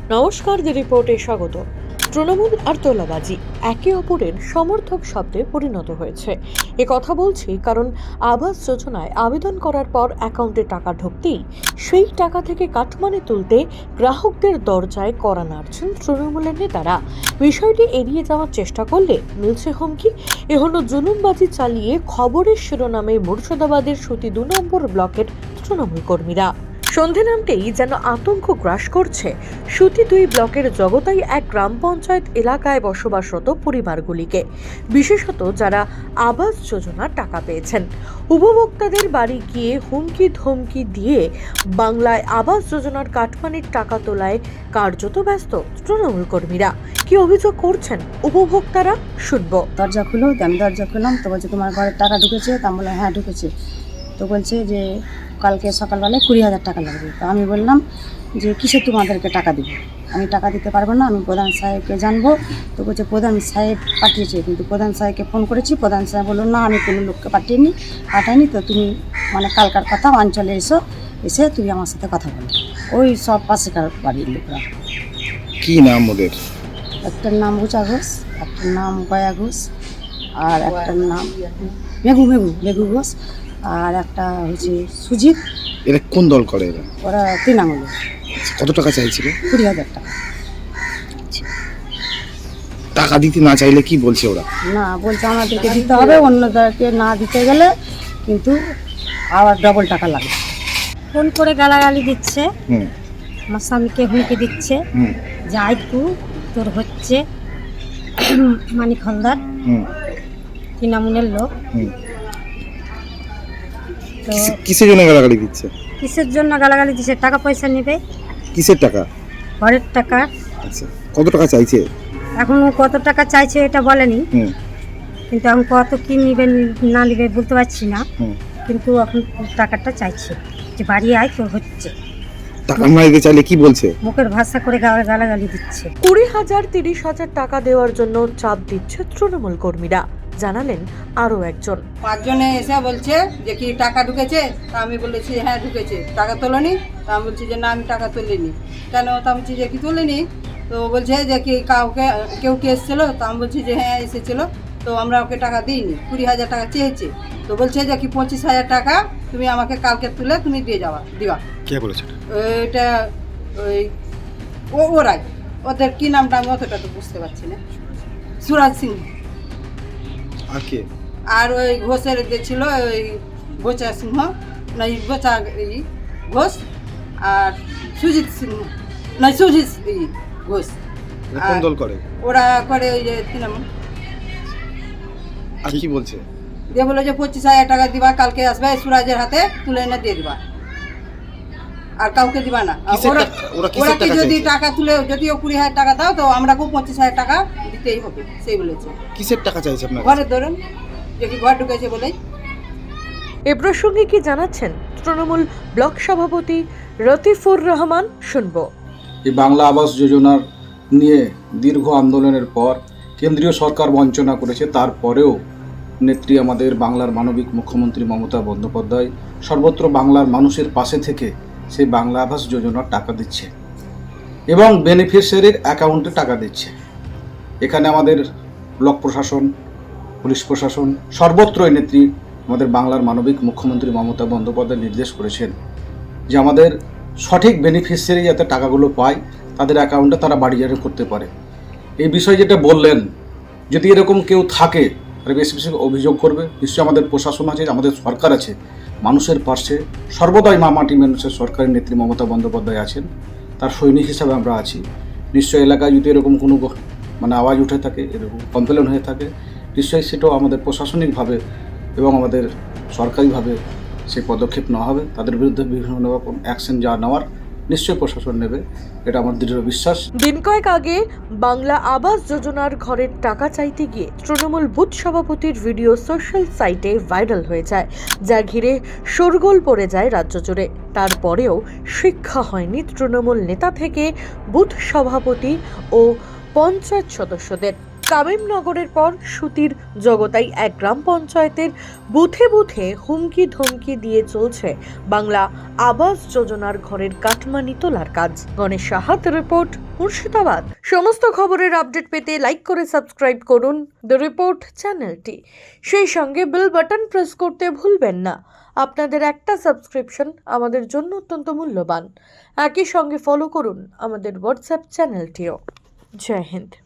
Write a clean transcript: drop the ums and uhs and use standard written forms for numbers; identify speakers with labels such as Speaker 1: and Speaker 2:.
Speaker 1: নমস্কার, দি রিপোর্টে স্বাগত। তৃণমূল আর তোলাবাজি একে অপরের সমর্থক শব্দে পরিণত হয়েছে। এ কথা বলছি কারণ আবাস যোজনায় আবেদন করার পর অ্যাকাউন্টে টাকা ঢুকতেই সেই টাকা থেকে কাটমানি তুলতে গ্রাহকদের দরজায় কড়া নাড়ছেন তৃণমূলের নেতারা। বিষয়টি এড়িয়ে যাওয়ার চেষ্টা করলে মিলছে হুমকি। এ হলো জুলুমবাজি চালিয়ে খবরের শিরোনামে মুর্শিদাবাদের সুতি 2 নম্বর ব্লকের তৃণমূল কর্মীরা। সন্ধে নামতেই যেন আতঙ্ক গ্রাস করছে সুতি 2 ব্লকের জগতাই এক গ্রাম পঞ্চায়েত এলাকায় বসবাসরত পরিবারগুলিকে, বিশেষত যারা আবাস যোজনার টাকা পেয়েছেন। উপভোক্তাদের বাড়ি গিয়ে হুমকি ধমকি দিয়ে বাংলায় আবাস যোজনার কাটমানির টাকা তোলায় কার্যত ব্যস্ত তৃণমূল কর্মীরা। কি অভিযোগ করছেন উপভোক্তারা, শুনবো।
Speaker 2: দরজা খুলো, আমি দরজা খুললাম তো বলছে তোমার ঘরে টাকা ঢুকেছে। তা বললাম হ্যাঁ ঢুকেছে। তো বলছে যে কালকে সকালবেলায় 20,000 টাকা লাগবে। তো আমি বললাম যে কিসে তোমাদেরকে টাকা দেবো, আমি টাকা দিতে পারবো না, আমি প্রধান সাহেবকে জানবো। তো বলছে প্রধান সাহেব পাঠিয়েছে, কিন্তু প্রধান সাহেবকে ফোন করেছি, প্রধান সাহেব বললো না আমি কোনো লোককে পাঠাইনি। তো তুমি কালকার কথা অঞ্চলে এসে তুমি আমার সাথে কথা বলো। ওই সব পাশেকার বাড়ির লোকরা।
Speaker 3: কি নাম ওদের?
Speaker 2: একটার নাম গুচা ঘোষ, একটার নাম গয়া ঘোষ, আর একটার নাম মেঘু ঘোষ, আর একটা হচ্ছে সুজিত।
Speaker 3: এরা কোন দল করে?
Speaker 2: ওরা তৃণমূল।
Speaker 3: কত টাকা চাইছিল?
Speaker 2: 20,000 টাকা।
Speaker 3: টাকা দিতে না চাইলে কি বলছে ওরা?
Speaker 2: না বলছে আমাদেরকে দিতে হবে, অন্যদেরকে না দিতে গেলে কিন্তু আবার ডবল টাকা লাগবে। ফোন করে গালাগালি দিচ্ছে, আমার স্বামীকে হুমকি দিচ্ছে যে আইকু তোর হচ্ছে মানিক হলদার তৃণমূলের লোক। তো
Speaker 3: কিসের জন্য গালাগালি দিচ্ছে?
Speaker 2: কিসের জন্য গালাগালি দিচ্ছে? টাকা পয়সা নেবে।
Speaker 3: কিসের টাকা?
Speaker 2: ঘরের টাকা।
Speaker 3: আচ্ছা, কত টাকা চাইছে?
Speaker 2: এখন কত টাকা চাইছে এটা বলেনি, কিন্তু এখন কত কি নিবে না নিবে বলতে পারছি না, কিন্তু এখন টাকাটা চাইছে যে বাড়ি আয় তোর হচ্ছে।
Speaker 3: টাকা না দিতে চাইলে কি বলছে?
Speaker 2: মুখের ভাষা করে গালাগালি দিচ্ছে।
Speaker 1: 20,000 30,000 টাকা দেওয়ার জন্য চাপ দিচ্ছে তৃণমূল কর্মীরা, জানালেন আরো একজন।
Speaker 4: 5 জনে এসে বলছে যে কি টাকা ঢুকেছে। তা আমি বলেছি হ্যাঁ ঢুকেছে। টাকা তোলেনি? তা আমি বলছি যে না আমি টাকা তুলিনি। কেন? তা আমি বলছি যে কি তুলিনি। তো বলছে যে কি কেউ কি এসেছিলো? তা আমি বলছি যে হ্যাঁ এসেছিলো। তো আমরা ওকে টাকা দিইনি, 20,000 টাকা চেয়েছে। তো বলছে যে কি 25,000 টাকা তুমি আমাকে কালকে তুলে তুমি দিবা।
Speaker 3: কে বলেছে
Speaker 4: এটা? ওরাই, ওদের কি নামটা আমি অতটা তো বুঝতে পারছি না। সুরাজ সিং।
Speaker 3: আর কে?
Speaker 4: আর ওই ঘোষের যে ছিল ওই বোচা সিংহ, না বোচা ঘোষ, আর সুজিত সিংহ, না সুজিত ঘোষ।
Speaker 3: কোন দল করে?
Speaker 4: ওরা করে ওই যে তৃণমূল।
Speaker 3: আর কি বলছে?
Speaker 4: দিয়ে বলে যে 25,000 টাকা দিবা, কালকে আসবে সুরাজের হাতে তুলে এনে দিয়ে দিবা, আর কাউকে দিবা না। ওরা কি যদি টাকা তুলে যদিও 20,000 টাকা দাও তো আমরাকেও 25,000 টাকা দিতেই হবে, সেই বলেছে।
Speaker 3: কিসের টাকা চাইছে আপনার?
Speaker 4: ঘরে ধরুন যে কি ঘর ঢুকেছে বলেই।
Speaker 1: এ প্রসঙ্গে কি জানাচ্ছেন তৃণমূল ব্লক সভাপতি রতিফুর রহমান, শুনবো।
Speaker 5: এই বাংলা আবাস যোজনার নিয়ে দীর্ঘ আন্দোলনের পর কেন্দ্রীয় সরকার বঞ্চনা করেছে, তারপরেও নেত্রী আমাদের বাংলার মানবিক মুখ্যমন্ত্রী মমতা বন্দ্যোপাধ্যায় সর্বত্র বাংলার মানুষের পাশে থেকে সেই বাংলা আবাস যোজনার টাকা দিচ্ছে এবং বেনিফিশিয়ারির অ্যাকাউন্টে টাকা দিচ্ছে। এখানে আমাদের ব্লক প্রশাসন, পুলিশ প্রশাসন সর্বত্রই নেত্রী আমাদের বাংলার মানবিক মুখ্যমন্ত্রী মমতা বন্দ্যোপাধ্যায় নির্দেশ করেছেন যে আমাদের সঠিক বেনিফিশিয়ারি যাতে টাকাগুলো পায়, তাদের অ্যাকাউন্টে তারা বাড়িজারি করতে পারে। এই বিষয়ে যেটা বললেন, যদি এরকম কেউ থাকে তাহলে বেশি বেশি অভিযোগ করবে। নিশ্চয়ই আমাদের প্রশাসন আছে, আমাদের সরকার আছে, মানুষের পাশে সর্বদাই মাটি মানুষের সরকারের নেত্রী মমতা বন্দ্যোপাধ্যায় আছেন, তার সৈনিক হিসাবে আমরা আছি। নিশ্চয়ই এলাকায় যদি এরকম কোনো আওয়াজ উঠে থাকে, এরকম কমপ্লেন হয়ে থাকে, নিশ্চয়ই সেটাও আমাদের প্রশাসনিকভাবে এবং আমাদের সরকারিভাবে সেই পদক্ষেপ নেওয়া হবে। তাদের বিরুদ্ধে বিভিন্ন রকম অ্যাকশন যা নেওয়ার নিশ্চয়ই প্রশাসন নেবে, এটা আমার দৃঢ় বিশ্বাস।
Speaker 1: দিন কয়েক আগে বাংলা আবাস যোজনার ঘরের টাকা চাইতে গিয়ে তৃণমূল বুথ সভাপতির ভিডিও সোশ্যাল সাইটে ভাইরাল হয়ে যায়, যা ঘিরে শোরগোল পড়ে যায় রাজ্য জুড়ে। তারপরেও শিক্ষা হয়নি তৃণমূল নেতা থেকে বুথ সভাপতি ও পঞ্চায়েত সদস্যদের। তামিমনগরের পর সুতির জগতাই এক গ্রাম পঞ্চায়েতের বুথে বুথে হুমকি ধমকি দিয়ে চলছে বাংলা আবাস যোজনার ঘরের কাটমানি তোলার কাজ। গণেশ সাহাত রিপোর্ট, মুর্শিদাবাদ। সমস্ত খবরের আপডেট পেতে লাইক করে সাবস্ক্রাইব করুন দ্য রিপোর্ট চ্যানেলটি। সেই সঙ্গে বেল বাটন প্রেস করতে ভুলবেন না। আপনাদের একটা সাবস্ক্রিপশন আমাদের জন্য অত্যন্ত মূল্যবান। একই সঙ্গে ফলো করুন আমাদের হোয়াটসঅ্যাপ চ্যানেলটিও। জয় হিন্দ।